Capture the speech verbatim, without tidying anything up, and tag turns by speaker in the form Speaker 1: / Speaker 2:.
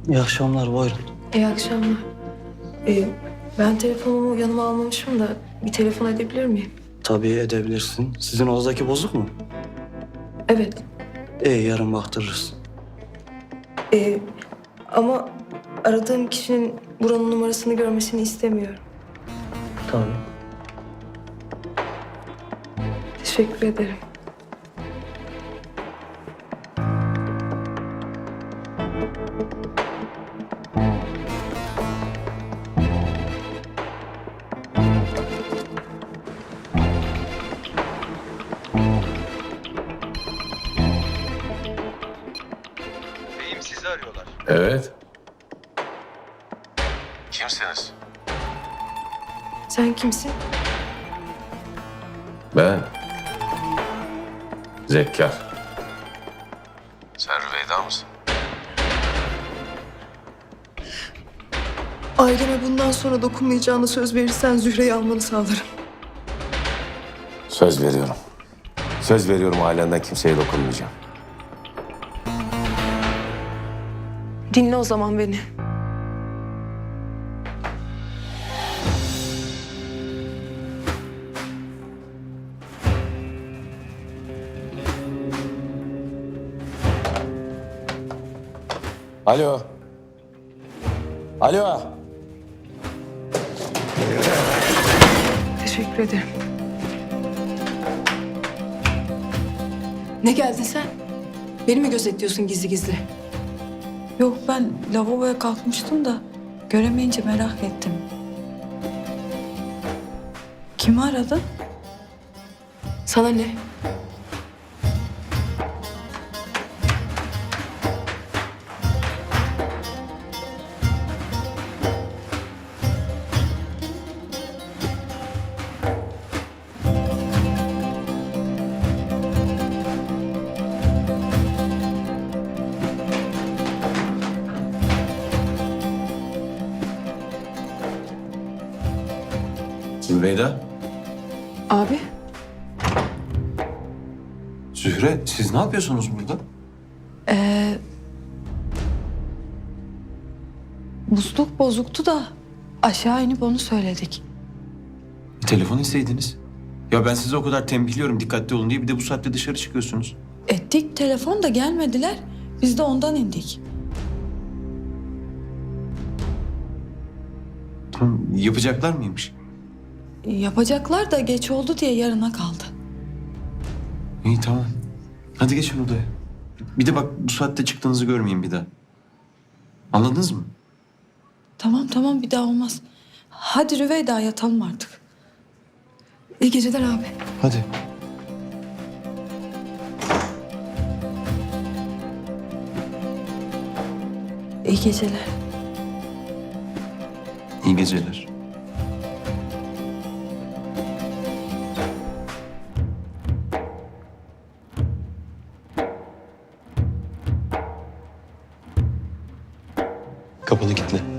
Speaker 1: İyi akşamlar, buyurun.
Speaker 2: İyi akşamlar. Ee, ben telefonumu yanıma almamışım da bir telefon edebilir miyim?
Speaker 1: Tabii edebilirsin. Sizin odadaki bozuk mu?
Speaker 2: Evet.
Speaker 1: İyi, yarın baktırırız.
Speaker 2: Ee, ama aradığım kişinin buranın numarasını görmesini istemiyorum.
Speaker 1: Tabii.
Speaker 2: Teşekkür ederim.
Speaker 3: Beyim sizi arıyorlar.
Speaker 4: Evet.
Speaker 3: Kimsiniz?
Speaker 2: Sen kimsin?
Speaker 4: Ben. Zekkar.
Speaker 3: Sen Rüveyda mısın?
Speaker 2: Aileme bundan sonra dokunmayacağına söz verirsen Zühre'yi almanı sağlarım.
Speaker 4: Söz veriyorum. Söz veriyorum ailenden kimseye dokunmayacağım.
Speaker 2: Dinle o zaman beni.
Speaker 4: Alo. Alo.
Speaker 2: Teşekkür ederim. Ne geldin sen? Beni mi gözetliyorsun gizli gizli?
Speaker 5: Yok, ben lavaboya kalkmıştım da göremeyince merak ettim. Kimi aradın?
Speaker 2: Sana ne?
Speaker 4: Zübeyda.
Speaker 2: Abi,
Speaker 4: Zühre, siz ne yapıyorsunuz burada?
Speaker 5: Ee, musluk bozuktu da aşağı inip onu söyledik.
Speaker 6: Telefon isteydiniz. Ya ben size o kadar tembihliyorum dikkatli olun diye, bir de bu saatte dışarı çıkıyorsunuz.
Speaker 5: Ettik, telefon da gelmediler. Biz de ondan indik.
Speaker 6: Tamam, yapacaklar mıymış?
Speaker 5: Yapacaklar da geç oldu diye yarına kaldı.
Speaker 6: İyi, tamam. Hadi geçin odaya. Bir de bak, bu saatte çıktığınızı görmeyeyim bir daha. Anladınız mı?
Speaker 5: Tamam tamam, bir daha olmaz. Hadi Rüveyda, yatalım artık.
Speaker 2: iyi geceler abi.
Speaker 6: Hadi.
Speaker 5: İyi geceler.
Speaker 6: İyi geceler. Kapını kilitle.